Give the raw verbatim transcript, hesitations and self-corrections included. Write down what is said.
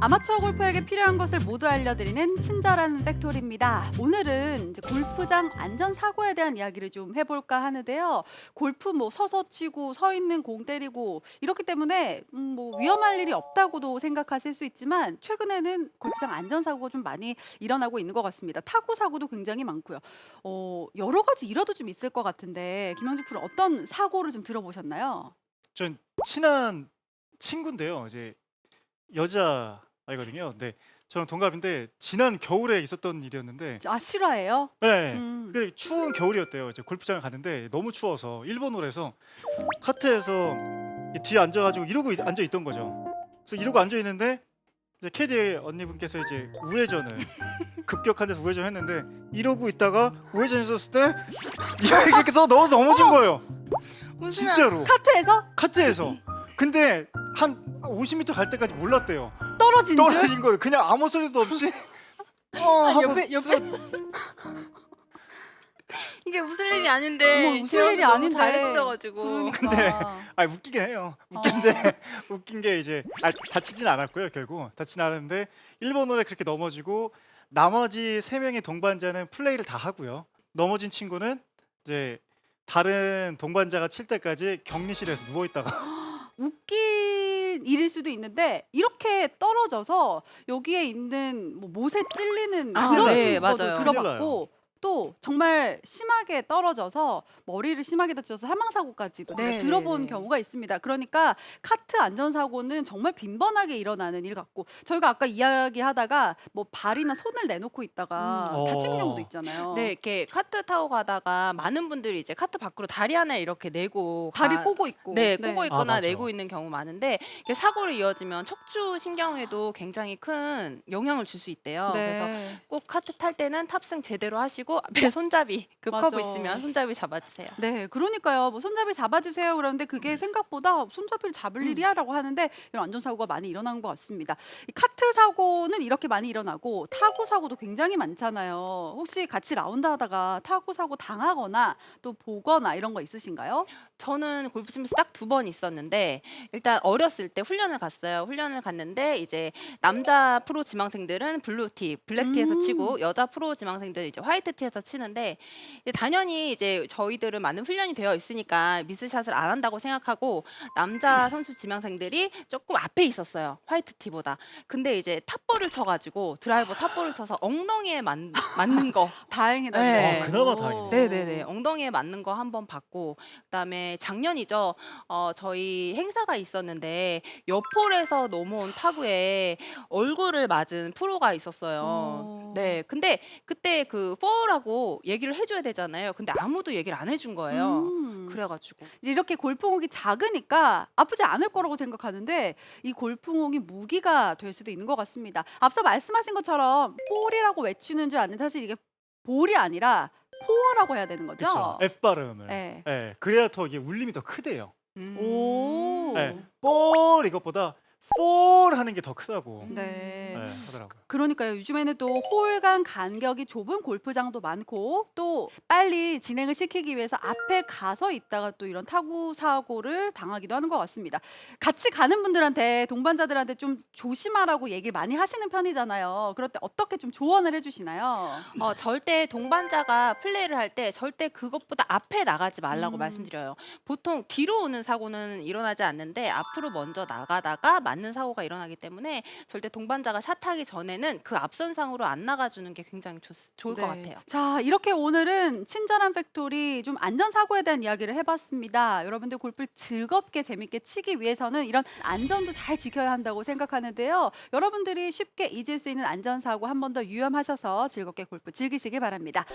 아마추어 골퍼에게 필요한 것을 모두 알려드리는 친절한 팩토리입니다. 오늘은 이제 골프장 안전 사고에 대한 이야기를 좀 해볼까 하는데요. 골프 뭐 서서 치고 서 있는 공 때리고 이렇기 때문에 음, 뭐 위험할 일이 없다고도 생각하실 수 있지만 최근에는 골프장 안전 사고가 좀 많이 일어나고 있는 것 같습니다. 타구 사고도 굉장히 많고요. 어, 여러 가지 일화도 좀 있을 것 같은데 김영식 프로 어떤 사고를 좀 들어보셨나요? 전 친한 친구인데요. 이제 여자아이거든요. 네. 저랑 동갑인데 지난 겨울에 있었던 일이었는데 아 실화예요? 네. 음. 그 추운 겨울이었대요. 이제 골프장을 갔는데 너무 추워서 일본어라서 카트에서 이 뒤에 앉아 가지고 이러고 있 앉아 있던 거죠. 그래서 이러고 앉아 있는데 이제 캐디 언니분께서 이제 우회전을 급격한 데서 우회전을 했는데 이러고 있다가 우회전했었을 때 이렇게 또 넘어 넘어진 거예요. 웃으면 진짜로. 카트에서 카트에서. 근데 한 오십 미터 갈 때까지 몰랐대요. 떨어진 줄? 떨어진 거예요. 그냥 아무 소리도 없이 어 아, 하고 옆에 옆에 이게 웃을 일이 아닌데 어머 웃을 재현이 일이 너무 아닌데. 잘해 주셔가지고 그러니까. 근데 아 웃기긴 해요. 웃긴데 어. 웃긴 게 이제 아 다치진 않았고요 결국. 다치진 않았는데 일본어에 그렇게 넘어지고 나머지 세 명의 동반자는 플레이를 다 하고요. 넘어진 친구는 이제 다른 동반자가 칠 때까지 격리실에서 누워 있다가 웃긴 일일 수도 있는데 이렇게 떨어져서 여기에 있는 뭐 못에 찔리는 아, 그런 네, 거도 맞아요. 큰일 나요. 들어봤고 또 정말 심하게 떨어져서 머리를 심하게 다쳐서 사망 사고까지도 제가 네, 들어본 네, 네. 경우가 있습니다. 그러니까 카트 안전 사고는 정말 빈번하게 일어나는 일 같고 저희가 아까 이야기하다가 뭐 발이나 손을 내놓고 음. 있다가 다치는 경우도 어. 네, 있잖아요. 이렇게 카트 타고 가다가 많은 분들이 이제 카트 밖으로 다리 하나 이렇게 내고 다리 가 꼬고 있고. 네, 네. 꼬고 아 있거나 맞아. 내고 있는 경우 많은데 이게 사고로 이어지면 척추 신경에도 굉장히 큰 영향을 줄 수 있대요. 그래서 네. 꼭 카트 탈 때는 탑승 제대로 하시고 앞에 손잡이 급커브 맞아. 있으면 손잡이 잡아주세요. 네. 그러니까요. 뭐 "손잡이 잡아주세요." 그러는데 그게 생각보다 "손잡이를 잡을 음. 일이야?"라고 하는데 이런 안전사고가 많이 일어나는 것 같습니다. 이 카트 사고는 이렇게 많이 일어나고 타구 사고도 굉장히 많잖아요. 혹시 같이 라운드 하다가 타구 사고 당하거나 또 보거나 이런 거 있으신가요? 저는 골프 치면서 딱 두 번 있었는데 일단 어렸을 때 훈련을 갔어요. 훈련을 갔는데 이제 남자 프로 지망생들은 블루티, 블랙티에서 음. 치고 여자 프로 지망생들은 이제 화이트티에서 치는데 이제 당연히 이제 저희들은 많은 훈련이 되어 있으니까 미스샷을 안 한다고 생각하고 남자 선수 지망생들이 쪼끔 앞에 있었어요, 화이트티보다. 근데 이제 탑볼을 쳐 가지고 드라이버 탑볼을 쳐서 엉덩이에 맞 맞는 거. 다행이다 아 예. 그나마 그래도. 다행이네요. 네네네. 엉덩이에 맞는 거 한 번 받고 그다음에 작년이죠. 어 저희 행사가 있었는데 옆홀에서 넘어온 타구에 얼굴을 맞은 프로가 있었어요. 어. 네. 근데 그때 그 파울라고 얘기를 해 줘야 되잖아요. 근데 아무도 얘기를 안 해준 거예요. 음. 그래 가지고 이제 이렇게 골프공이 작으니까 아프지 않을 거라고 생각하는데 이 골프공이 무기가 될 수도 있는 것 같습니다. 앞서 말씀하신 것처럼 볼이라고 외치는 줄 아는데 사실 이게 볼이 아니라 포어라고 해야 되는 그쵸. 거죠? F 발음을. 예. 예. 그래야 더 이게 울림이 더 크대요. 예. 오. 음. 볼 이것보다 폴 하는 게 더 크다고 예 네. 음. 하더라고요. 그러니까요. 요즘에는 또 홀 간 간격이 좁은 골프장도 많고 또 빨리 진행을 시키기 위해서 앞에 가서 있다가 또 이런 타구 사고를 당하기도 하는 것 같습니다. 같이 가는 분들한테 동반자들한테 좀 조심하라고 얘기를 많이 하시는 편이잖아요. 그럴 때 어떻게 좀 조언을 해 주시나요? 어 절대 동반자가 플레이를 할 때 절대 그것보다 앞에 나가지 말라고 음. 말씀드려요. 보통 뒤로 오는 사고는 일어나지 않는데 앞으로 먼저 나가다가 맞는 사고가 일어나기 때문에 절대 동반자가 샷하기 전에는 그 앞선 상으로 안 나가 주는 게 굉장히 좋 좋을 것 네. 같아요. 자, 이렇게 오늘은 친절한 팩토리 좀 안전 사고에 대한 이야기를 해 봤습니다. 여러분들 골프를 즐겁게 재밌게 치기 위해서는 이런 안전도 잘 지켜야 한다고 생각하는데요. 여러분들이 쉽게 잊을 수 있는 안전 사고 한 번 더 유념하셔서 즐겁게 골프 즐기시기 바랍니다.